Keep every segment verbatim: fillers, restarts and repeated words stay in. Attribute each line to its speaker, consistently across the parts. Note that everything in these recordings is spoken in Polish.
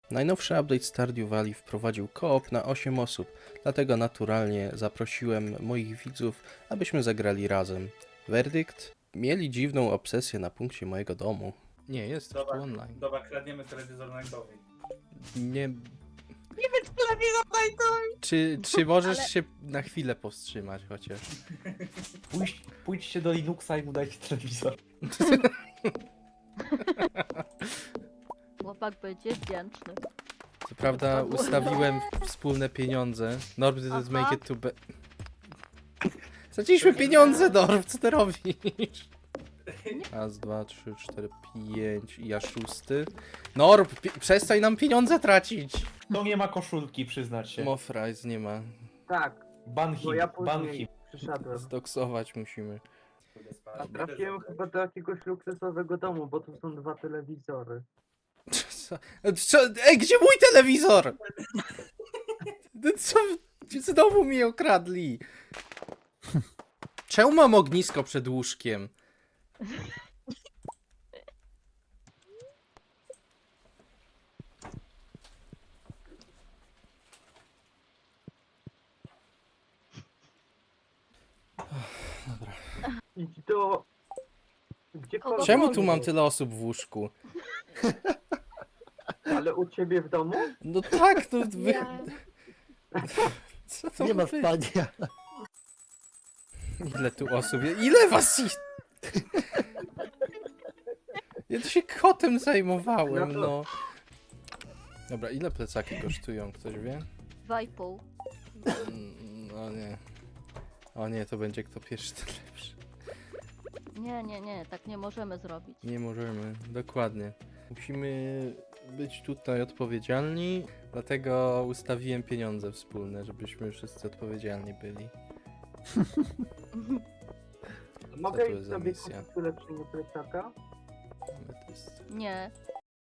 Speaker 1: Najnowszy update Stardew Valley wprowadził koop na osiem osób, dlatego naturalnie zaprosiłem moich widzów, abyśmy zagrali razem. Werdykt? Mieli dziwną obsesję na punkcie mojego domu. Nie, jest już tu
Speaker 2: Dobra,
Speaker 1: online.
Speaker 2: dobra, kradniemy telewizor Nightowi.
Speaker 1: Nie...
Speaker 3: Nie być telewizor Nightowi!
Speaker 1: Czy, czy możesz
Speaker 3: Ale-
Speaker 1: się na chwilę powstrzymać chociaż?
Speaker 4: Pójdź, pójdźcie do Linuxa i mu dajcie telewizor.
Speaker 5: Chłopak będzie wdzięczny.
Speaker 1: Co prawda ustawiłem wspólne pieniądze. Norb didn't
Speaker 5: Aha.
Speaker 1: make it to be... Straciliśmy pieniądze, Norb, co ty robisz? Raz, dwa, trzy, cztery, pięć i ja szósty. Norb, pi- przestań nam pieniądze tracić!
Speaker 4: To nie ma koszulki, przyznać się.
Speaker 1: Mofrais nie ma.
Speaker 6: Tak,
Speaker 4: Ban
Speaker 6: bo
Speaker 4: him,
Speaker 6: ja
Speaker 4: ban
Speaker 6: później
Speaker 4: him.
Speaker 6: przyszedłem.
Speaker 1: Zdoksować musimy.
Speaker 6: A trafiłem chyba do jakiegoś luksusowego domu, bo tu są dwa telewizory.
Speaker 1: Co? Co? Ej, gdzie mój telewizor? Co? Znowu mi okradli. Czemu mam ognisko przed łóżkiem?
Speaker 6: Idź do... Gdziekolwiek.
Speaker 1: Czemu tu mam tyle osób w łóżku?
Speaker 6: Ale u ciebie w domu?
Speaker 1: No tak, no wy... Co to
Speaker 7: Nie ma
Speaker 1: wy-
Speaker 7: spania.
Speaker 1: Ile tu osób jest? Ile was jest? Ja tu się kotem zajmowałem,
Speaker 6: No
Speaker 1: no. Dobra, ile plecaki kosztują? Ktoś wie?
Speaker 5: Dwa i pół.
Speaker 1: Mm, No nie. O nie, to będzie kto pierwszy, ten lepszy.
Speaker 5: Nie, nie, nie, tak nie możemy zrobić.
Speaker 1: Nie możemy, dokładnie. Musimy być tutaj odpowiedzialni, dlatego ustawiłem pieniądze wspólne, żebyśmy wszyscy odpowiedzialni byli.
Speaker 6: Mogę
Speaker 1: tu
Speaker 6: iść
Speaker 1: jest za
Speaker 6: sobie
Speaker 1: misja?
Speaker 6: kupić ulepszenie plecaka?
Speaker 1: Ametyst.
Speaker 5: Nie.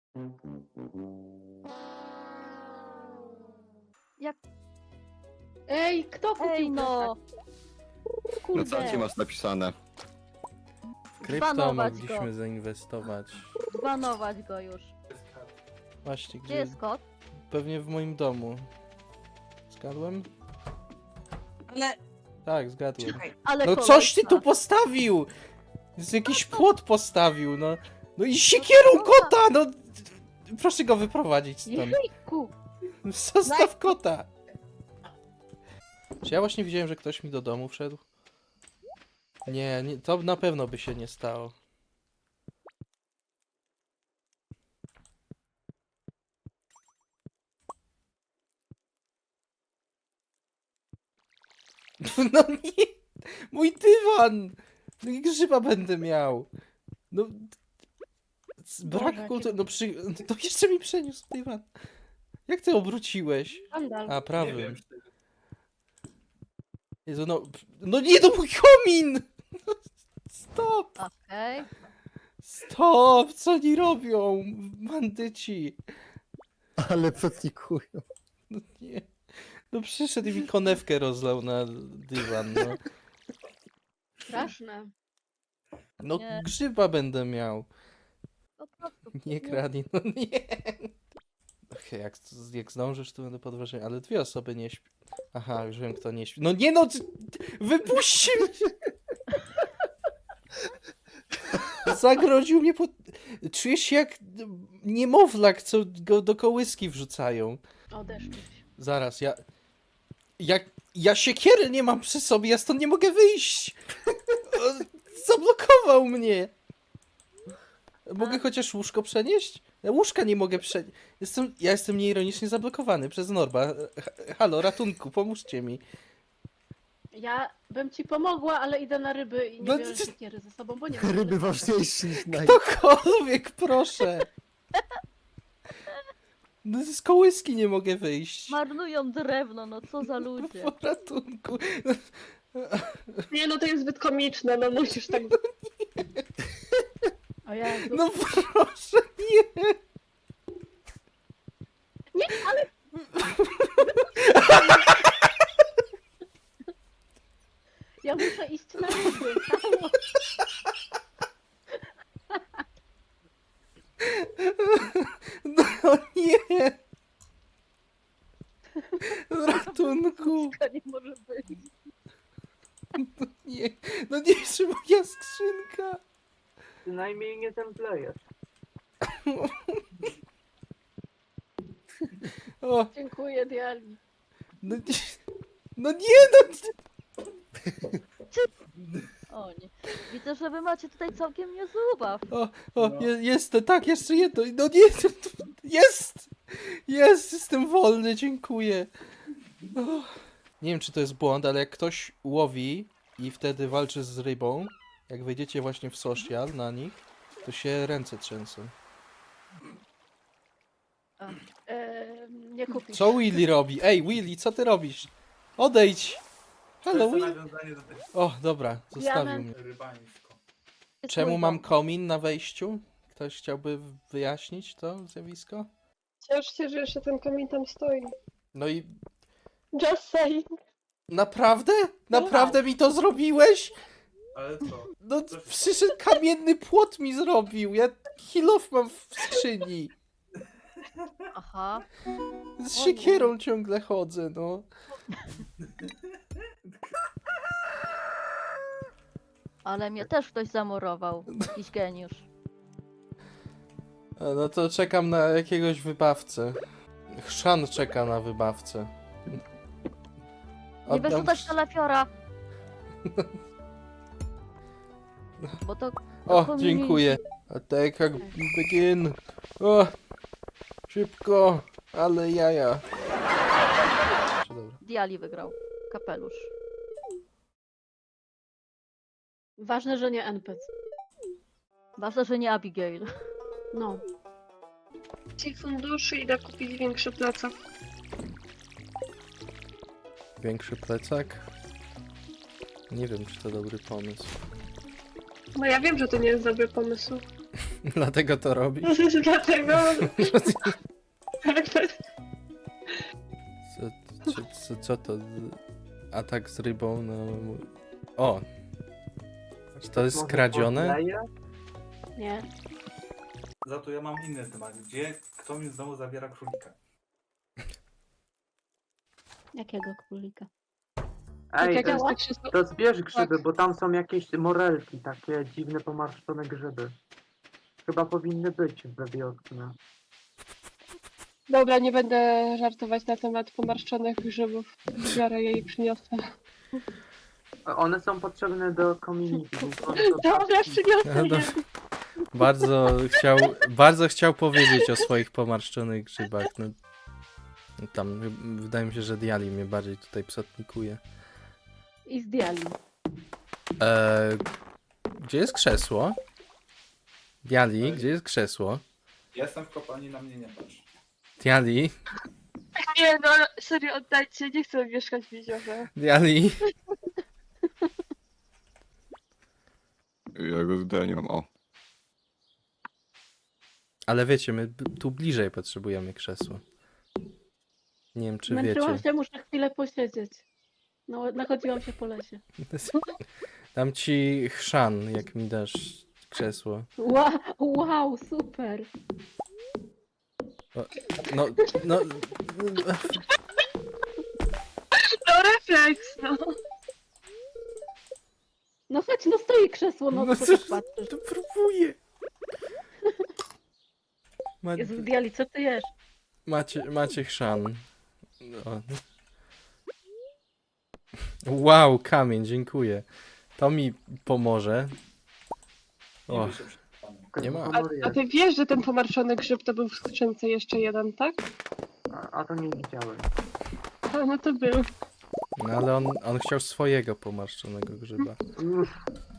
Speaker 5: Jak...
Speaker 3: Ej, kto kupił
Speaker 5: Ej no!
Speaker 7: Na
Speaker 5: Kurde!
Speaker 7: czacie masz napisane.
Speaker 1: W krypto
Speaker 5: Zbanować
Speaker 1: mogliśmy
Speaker 5: go.
Speaker 1: zainwestować.
Speaker 5: Zbanować go już.
Speaker 1: Właśnie,
Speaker 5: Gdzie
Speaker 1: gdzie?
Speaker 5: jest kot?
Speaker 1: Pewnie w moim domu. Zgadłem?
Speaker 3: Ale
Speaker 1: Tak, zgadłem.
Speaker 3: czekaj,
Speaker 5: Ale
Speaker 1: No
Speaker 5: koleś
Speaker 1: coś ty
Speaker 5: ma.
Speaker 1: tu postawił! Z jakiś płot postawił, no. No i siekierą kota, no! Proszę go wyprowadzić stąd.
Speaker 3: jejku!
Speaker 1: Zostaw kota! Czy ja właśnie widziałem, że ktoś mi do domu wszedł? Nie, nie, to na pewno by się nie stało. No nie! Mój dywan! No i grzyba będę miał. No... c- Brak
Speaker 3: Boże,
Speaker 1: kultury...
Speaker 3: jakie-
Speaker 1: No przy... To jeszcze mi przeniósł dywan. Jak ty obróciłeś?
Speaker 3: Skandal.
Speaker 1: A,
Speaker 2: Nie
Speaker 1: prawym.
Speaker 2: wiem,
Speaker 1: Jezu, no... No nie, no mój komin! Stop!
Speaker 5: Okej.
Speaker 1: Stop! Co oni robią? Bandyci!
Speaker 7: Ale pracnikują.
Speaker 1: No nie. No przyszedł i mi konewkę rozlał na dywan, no.
Speaker 3: Straszne.
Speaker 1: No
Speaker 5: Nie.
Speaker 1: grzyba będę miał.
Speaker 5: Po prostu.
Speaker 1: Nie kradnij, no nie. Okej, jak, jak zdążysz, to będę podważał, ale dwie osoby nie śpią. Aha, już wiem, kto nie śpi. No nie no! ty- Wypuśćcie mnie! Zagrodził mnie pod... Czujesz się jak niemowlak, co go do kołyski wrzucają.
Speaker 3: Odeszczyć.
Speaker 1: Zaraz, ja... Jak... Ja siekiery nie mam przy sobie, ja stąd nie mogę wyjść! On zablokował mnie! Mogę chociaż łóżko przenieść? Ja łóżka nie mogę przenieść. Jestem... Ja jestem nieironicznie zablokowany przez Norba. H- Halo, ratunku, pomóżcie mi.
Speaker 3: Ja bym ci pomogła, ale idę na ryby i nie
Speaker 1: No
Speaker 3: biorę
Speaker 1: ty-
Speaker 3: siekiery ze sobą, bo nie mam.
Speaker 7: Ryby ważniejsze niż naj...
Speaker 1: Ktokolwiek, proszę! No z kołyski nie mogę wyjść.
Speaker 5: Marnują drewno, no co za ludzie.
Speaker 1: Po ratunku.
Speaker 3: Nie, no to jest zbyt komiczne, no musisz tak... O Jezu.
Speaker 1: No proszę, nie!
Speaker 3: Nie, ale... Ja muszę iść na ryby. Halo.
Speaker 1: No nie! Ratunku!
Speaker 5: To nie może być.
Speaker 1: Nie, no nie, że moja skrzynka!
Speaker 6: Przynajmniej nie zemdlejesz.
Speaker 1: O,
Speaker 3: Dziękuję, Diali.
Speaker 1: no nie, no nie, no...
Speaker 5: O nie. Widzę, że wy macie tutaj całkiem niezły ubaw.
Speaker 1: O, o,
Speaker 2: No.
Speaker 1: je, jest, tak, jeszcze jedno, no nie, to- to- jest! Jest, jestem wolny, dziękuję. O. Nie wiem, czy to jest błąd, ale jak ktoś łowi i wtedy walczy z rybą, jak wejdziecie właśnie w social na nich, to się ręce trzęsą.
Speaker 3: E, nie kupisz.
Speaker 1: Co Willy robi? Ej, Willy, co ty robisz? Odejdź!
Speaker 2: To
Speaker 1: Halo,
Speaker 2: jest to
Speaker 1: Willy.
Speaker 2: nawiązanie do tego
Speaker 1: O, dobra, zostawił
Speaker 3: Diament.
Speaker 1: mnie.
Speaker 2: rybanisko.
Speaker 5: Jest
Speaker 1: Czemu
Speaker 5: mój
Speaker 1: mam
Speaker 5: dom.
Speaker 1: komin na wejściu? Ktoś chciałby wyjaśnić to zjawisko?
Speaker 8: Ciesz się, że jeszcze ten kamień tam stoi.
Speaker 1: No i
Speaker 8: Just saying.
Speaker 1: naprawdę? Naprawdę mi to zrobiłeś?
Speaker 2: Ale co?
Speaker 1: No przyszedł kamienny płot mi zrobił. Ja kilof mam w skrzyni.
Speaker 5: Aha.
Speaker 1: Z siekierą ciągle chodzę, no.
Speaker 5: Ale mnie też ktoś zamurował. Jakiś geniusz.
Speaker 1: A, no to czekam na jakiegoś wybawcę. Chrzan czeka na wybawcę.
Speaker 5: Nie
Speaker 1: Oddam
Speaker 5: wyrzucać
Speaker 1: ch-
Speaker 5: telefiora. Bo to...
Speaker 1: O,
Speaker 5: community.
Speaker 1: dziękuję. Attack begin. O, szybko, ale jaja. Dobra.
Speaker 5: Diali wygrał. Kapelusz.
Speaker 3: Ważne, że nie N P C.
Speaker 5: Ważne, że nie Abigail.
Speaker 3: No.
Speaker 8: Ci funduszy idę kupić większy plecak.
Speaker 1: Większy plecak? Nie wiem, czy to dobry pomysł.
Speaker 8: No ja wiem, że to nie jest dobry pomysł.
Speaker 1: Dlatego to robisz?
Speaker 8: Dlatego...
Speaker 1: Co, co, co, co to? Atak z rybą na... O! Czy to jest
Speaker 6: Może
Speaker 1: skradzione?
Speaker 6: podleję?
Speaker 3: Nie.
Speaker 2: Za to ja mam inny temat. Gdzie kto mi znowu zabiera królika?
Speaker 3: Jakiego królika?
Speaker 6: Ej,
Speaker 8: jak
Speaker 6: to,
Speaker 8: ja
Speaker 6: jest,
Speaker 8: tak się...
Speaker 6: to zbierz grzyby, bo tam są jakieś morelki, takie dziwne, pomarszczone grzyby. Chyba powinny być we wiosnę.
Speaker 8: Dobra, nie będę żartować na temat pomarszczonych grzybów. Biorę je i przyniosę.
Speaker 6: A One są potrzebne do community, więc one są
Speaker 8: Dobra, przyniosę
Speaker 1: No,
Speaker 8: je.
Speaker 1: Bardzo chciał, bardzo chciał powiedzieć o swoich pomarszczonych grzybach. No, no tam, y, wydaje mi się, że Diali mnie bardziej tutaj psotnikuje.
Speaker 3: I z Diali.
Speaker 1: Eee, gdzie jest krzesło? Diali, gdzie jest krzesło?
Speaker 2: Jestem w kopalni, na mnie nie patrz.
Speaker 1: Diali,
Speaker 8: Nie no, serio, oddajcie, nie chcę mieszkać w jeziorze.
Speaker 1: Diali.
Speaker 7: Ja go zdaniam, o.
Speaker 1: Ale wiecie, my b- tu bliżej potrzebujemy krzesła. Nie wiem, czy
Speaker 3: Męczyłam
Speaker 1: wiecie.
Speaker 3: się, muszę chwilę posiedzieć. No, nachodziłam się po lesie.
Speaker 1: Dam ci chrzan, jak mi dasz krzesło.
Speaker 3: Wow, wow, super.
Speaker 1: No, no,
Speaker 8: No refleks, no.
Speaker 3: No chodź, no stoi krzesło, no,
Speaker 1: No
Speaker 3: co
Speaker 1: co-
Speaker 3: tak patrzysz?
Speaker 1: to próbuję. Ma,
Speaker 3: Jezu, Diali, co ty jesz?
Speaker 1: macie, macie chrzan. O. Wow, kamień, dziękuję. To mi pomoże.
Speaker 2: Nie
Speaker 1: O,
Speaker 2: bój się przed panem.
Speaker 1: nie ma.
Speaker 8: A, a ty wiesz, że ten pomarszczony grzyb to był w skrzynce jeszcze jeden, tak?
Speaker 6: A, a to nie widziałem.
Speaker 8: A, no to był.
Speaker 1: No ale on, on chciał swojego pomarszczonego grzyba.
Speaker 6: Uff,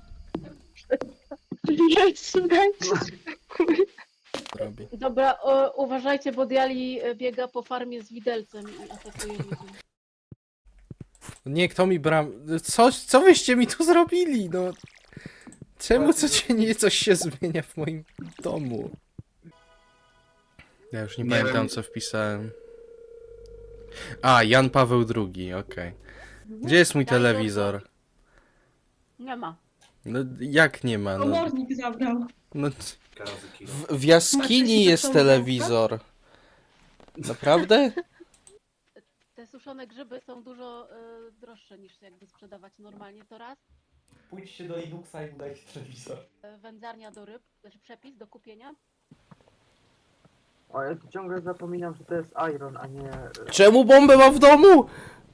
Speaker 8: Jezu, dajcie spokój.
Speaker 1: Robi.
Speaker 3: Dobra, o, uważajcie, bo Diali e, biega po farmie z widelcem i atakuje ludzi.
Speaker 1: Nie, kto mi bram... Co, co wyście mi tu zrobili, no? Czemu codziennie coś się zmienia w moim domu? Ja już nie,
Speaker 7: Nie
Speaker 1: pamiętam,
Speaker 7: wiem.
Speaker 1: co wpisałem. A, Jan Paweł drugi, okej. Gdzie jest mój telewizor?
Speaker 3: Nie ma.
Speaker 1: No, jak nie ma? No,
Speaker 8: Komornik zabrał.
Speaker 1: no,
Speaker 2: Razy kilo.
Speaker 1: w, w jaskini
Speaker 8: Macie się
Speaker 1: jest
Speaker 8: taką
Speaker 1: telewizor. Naprawdę?
Speaker 3: To jest już suszone grzyby są dużo y, droższe niż jakby sprzedawać normalnie, to raz.
Speaker 4: Pójdźcie do Linuxa i mu dajcie telewizor.
Speaker 3: Y, Wędzarnia do ryb, znaczy przepis do kupienia.
Speaker 6: O, ja tu ciągle zapominam, że to jest iron, a nie...
Speaker 1: Czemu bombę mam w domu?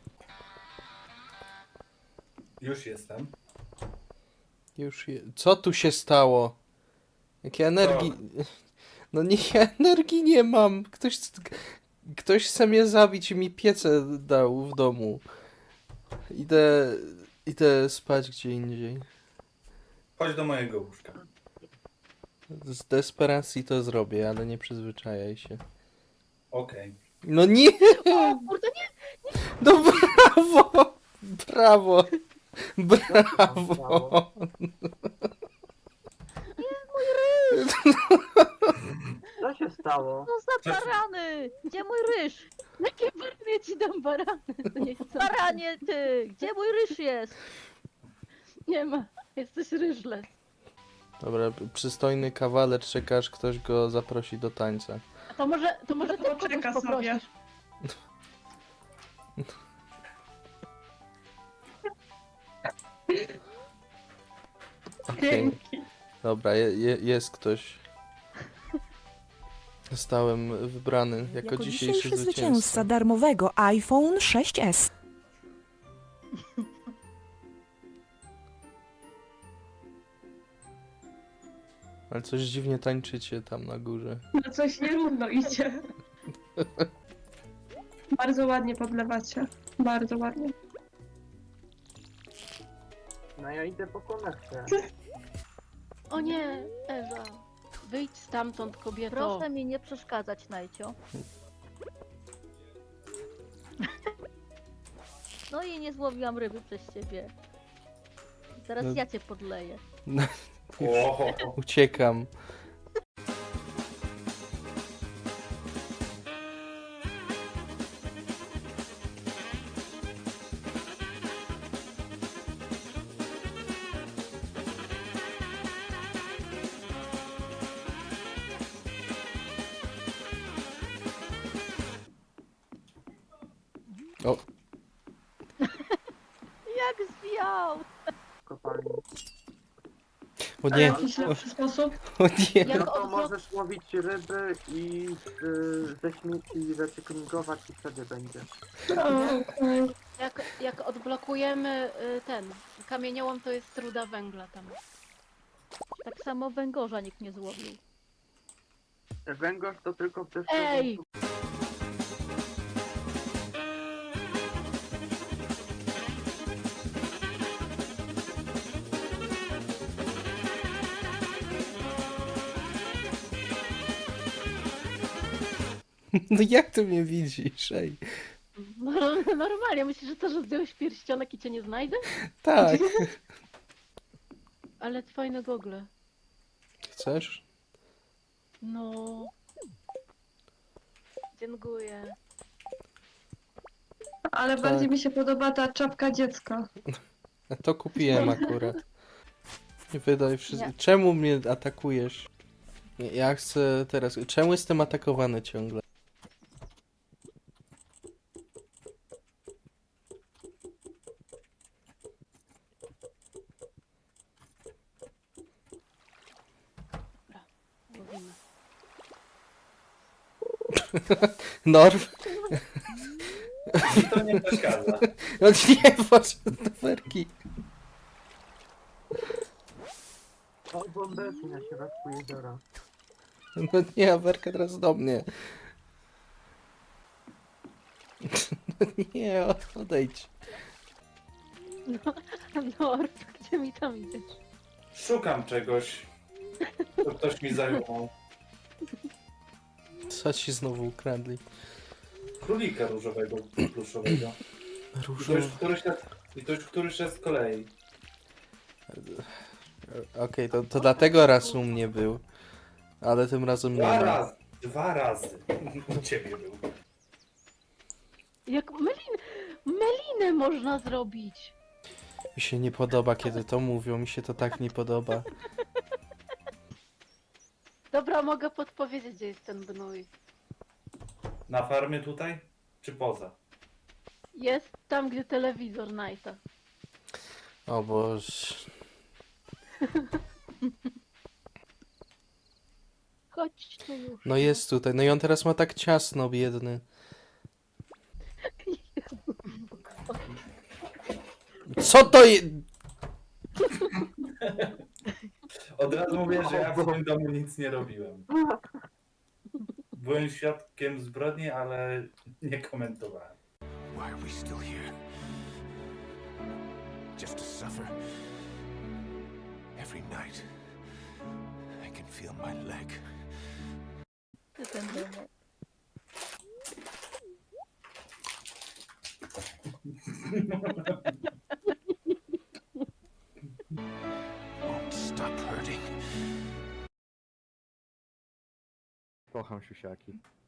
Speaker 2: Już jestem.
Speaker 1: Już je... Co tu się stało? Jakie energii... No nie, ja energii nie mam. Ktoś... Ktoś chce mnie zabić i mi piecę dał w domu. Idę... Idę spać gdzie indziej.
Speaker 2: Chodź do mojego łóżka.
Speaker 1: Z desperacji to zrobię, ale nie przyzwyczajaj się.
Speaker 2: Okej.
Speaker 1: No nie!
Speaker 3: O kurde, nie!
Speaker 1: No brawo! Brawo! Brawo!
Speaker 6: Co się stało?
Speaker 5: No za barany! Gdzie mój ryż?
Speaker 3: Jakie baranie ci dam barany? To nie chcę.
Speaker 5: Baranie ty! Gdzie mój ryż jest?
Speaker 3: Nie ma, jesteś ryżles.
Speaker 1: Dobra, przystojny kawaler czeka, aż ktoś go zaprosi do tańca.
Speaker 3: A to może, to może ty kogoś
Speaker 8: Poczeka sobie.
Speaker 3: poprosisz.
Speaker 1: Okej. Dobra, je, je, jest ktoś. Zostałem wybrany jako,
Speaker 9: Jako
Speaker 1: dzisiejszy
Speaker 9: dzisiejszy
Speaker 1: zwycięzca.
Speaker 9: zwycięzca darmowego iPhone sześć S.
Speaker 1: Ale coś dziwnie tańczycie tam na górze.
Speaker 8: No coś nierówno idzie. Bardzo ładnie podlewacie. Bardzo ładnie.
Speaker 6: No ja idę po konektę.
Speaker 3: O nie, Ewa. Wyjdź stamtąd, kobieto.
Speaker 5: Proszę mi nie przeszkadzać, Najcio. No i nie złowiłam ryby przez ciebie. Teraz
Speaker 1: No.
Speaker 5: ja cię podleję.
Speaker 2: Oho.
Speaker 1: Uciekam. O,
Speaker 5: Jak zwijał!
Speaker 6: Kopalni.
Speaker 1: o
Speaker 8: A
Speaker 1: nie,
Speaker 8: jakiś
Speaker 1: o,
Speaker 8: lepszy sposób?
Speaker 1: o nie.
Speaker 3: Jak
Speaker 6: No to
Speaker 3: odblok-
Speaker 6: możesz łowić ryby i y, ze śmieci recyklingować i wtedy będzie.
Speaker 8: O, okej.
Speaker 3: Jak, jak odblokujemy y, ten kamieniołom, to jest ruda węgla tam.
Speaker 5: Tak samo węgorza nikt nie złowił.
Speaker 6: Węgorz to tylko w deszczu.
Speaker 3: Ej!
Speaker 1: No jak ty mnie widzisz, ej?
Speaker 3: No, normalnie, myślisz, że to, że zdjąłeś pierścionek i cię nie znajdę?
Speaker 1: Tak.
Speaker 3: Ale fajne gogle.
Speaker 1: Chcesz?
Speaker 3: No. Dziękuję.
Speaker 8: Ale
Speaker 1: Tak.
Speaker 8: bardziej mi się podoba ta czapka dziecka.
Speaker 1: A to kupiłem akurat. Nie wydaj wszystko.
Speaker 5: Nie.
Speaker 1: Czemu mnie atakujesz? Nie, ja chcę teraz... Czemu jestem atakowany ciągle?
Speaker 3: Łowimy.
Speaker 1: Norm?
Speaker 2: Mi to nie przeszkadza.
Speaker 1: No nie, patrz na werki.
Speaker 6: O, bombeczki na środku jeziora.
Speaker 1: No nie, a werka teraz do mnie. No nie, odejdź.
Speaker 3: No, Norb, gdzie mi tam idziesz?
Speaker 2: Szukam czegoś. To ktoś mi zajął.
Speaker 1: Co ci znowu ukradli?
Speaker 2: Królika różowego, pluszowego. I to
Speaker 1: Różowy.
Speaker 2: już któryś raz, i to już któryś raz z kolei.
Speaker 1: Okej, to, to dlatego raz u mnie był. Ale tym razem nie.
Speaker 2: Dwa
Speaker 1: ma.
Speaker 2: razy. Dwa razy. U ciebie był.
Speaker 3: Jak melin... melinę można zrobić.
Speaker 1: Mi się nie podoba, kiedy to mówią. Mi się to tak nie podoba.
Speaker 3: Dobra, mogę podpowiedzieć, gdzie jest ten gnój.
Speaker 2: Na farmie tutaj? Czy poza?
Speaker 3: Jest tam, gdzie telewizor Nighta.
Speaker 1: O Boże.
Speaker 3: Chodź tu już.
Speaker 1: No jest tutaj. No i on teraz ma tak ciasno, biedny. Co to jest?
Speaker 2: Od razu mówię, że ja w tym domu nic nie robiłem. Byłem świadkiem zbrodni, ale nie komentowałem.
Speaker 10: Why are we still here? Just to suffer? Every night, I can feel my leg.
Speaker 5: Ty ten domek.
Speaker 10: Won't stop hurting.
Speaker 4: Kocham siusiaki.